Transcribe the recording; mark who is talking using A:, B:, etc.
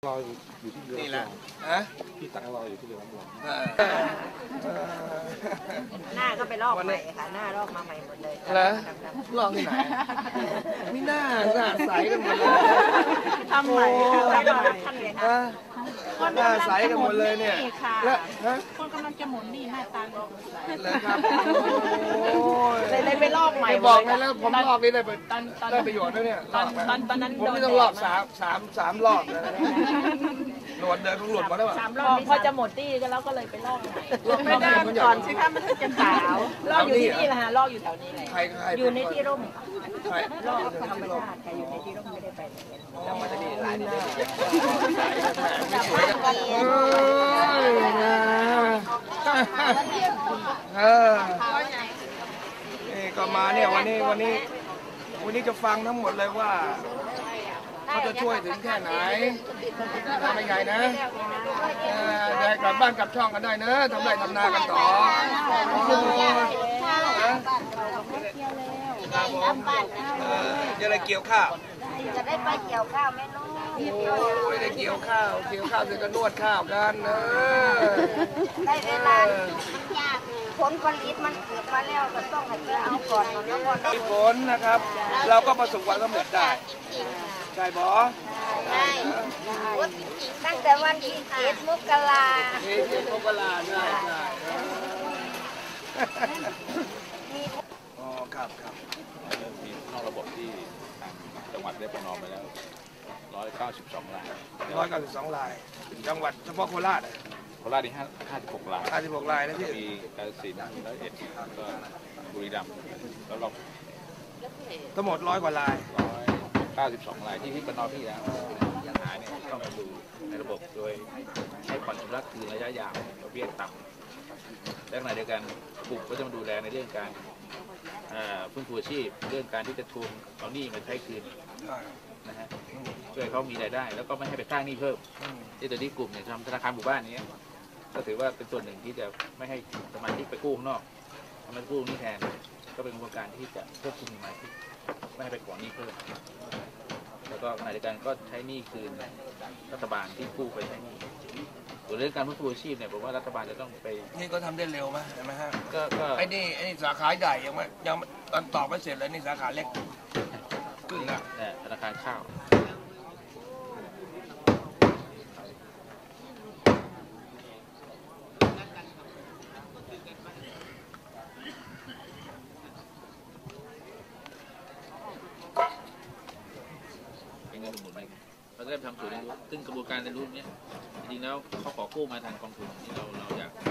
A: รออยู่ที่เรือนี่แหละพี่ตักรออยู่ที่เรือลำลอง
B: หน้าก็ไปลอกใหม่ค่ะหน้าลอกมาใหม่หมดเลย
C: แล้วลอกที่ไหนมีหน้าใสกันหมดเลย
B: ทำใหม่ค่ะทำใหม่
C: หน้าใสกันหมดเลยเนี่ยแล้ว
B: คนกำลังจะหมุนนี่หน้าตา
C: เลยครับ
B: เลยไปลอกใหม่
C: บอกไงแล้วผมลอกนี่ได้ประโยชน์ด้วยเนี่ย
B: ตอนนั้น
C: ผมไม่ต้องลอกสามรอบเลยหลวดเดินต้องหลวดมาแล้ว
B: 3 รอบพอจะหมดที่ก็แล้วก็เลยไปลอกใหม่ไม่ได้ก่อนสิคะมันถึงจะขาวลอกอยู่ที่นี่แหละฮะลอกอยู่แถวนี้เลยอยู่ในที่ร่มลอกธรรมชาติอยู่ในที่ร่มไม่ได้ไปเรามาจะดีหลายที่
C: นี่ก็มาเนี่ยวันนี้จะฟังทั้งหมดเลยว่าเขาจะช่วยถึงแค่ไหนไม่ใหญ่นะได้กลับบ้านกลับช่องกันได้เนอะทำไรทำนากันต่อจะได้เกี่ยวข้าว
B: จะได้ไปเกี่ยวข้าวแม่ลูก
C: ไม่ได้เกี่ยวข้าวเสร็จก็นวดข้าวกัน
B: ได้เวลาผลผลิตมันเกิดมาแล้วก็ต้องให้เอาก่อนแล้วก่อน
C: มีผลนะครับเราก็ประสบความสำเร็จได้ใช่บอ
B: ได้ตั้งแต่วันที่7 มกรา
C: ใช่อ๋อครับ
A: มีเข้าระบบที่ทางจังหวัดได้ประนอมไปแล้ว192 ราย
C: 192 รายจังหวัดเฉพาะโคราช
A: โคราชนี่56 ราย
C: 56 รายนะพี่
A: มีกาฬสินธุ์101ก็บุรีรัมย์แล้วเรา
C: ทั้งหมด100 กว่าราย
A: 192 รายที่ประนอมที่แล้วปัญหาเนี่ยต้องมาดูในระบบโดยให้ผ่อนชำระคืนระยะยาวดอกเบี้ยต่ำและขณะเดียวกันกลุ่มก็จะมาดูแลในเรื่องการฟื้นฟูอาชีพเรื่องการที่จะทวงเอาหนี้มาใช้คืนนะฮะช่วยเขามีรายได้แล้วก็ไม่ให้ไปสร้างหนี้เพิ่มที่ตอนนี้กลุ่มเนี่ยทำธนาคารหมู่บ้านนี้ก็ถือว่าเป็นส่วนหนึ่งที่จะไม่ให้สมาชิกไปกู้ข้างนอกทำให้กู้นี่แทนก็เป็นกระบวนการที่จะควบคุมสมาชิกไม่ให้ไปขอหนี้เพิ่มแล้วก็ขณะเดียวกันก็ใช้หนี้คืนรัฐบาลที่กู้ไปใช้หนี้ส่วนเรื่องการฟื้นฟูอาชีพเนี่ยผมว่ารัฐบาลจะต้องไป
C: นี่ก็ทำได้เร็วไหมใช่ไหมฮะ
A: ก็
C: ไอ้นี่สาขาใหญ่ยังตอนตอบไม่เสร็จเลยนี่สาขาเล็กขึ้นแล้ว
A: ธนาคารข้าวเป็นเงินสมุนไพรเราจะได้ทำศูนย์เรียนรู้ซึ่งกระบวนการเรียนรู้นี้จริงๆแล้วเขาขอกู้มาทางกองทุนที่เราอยาก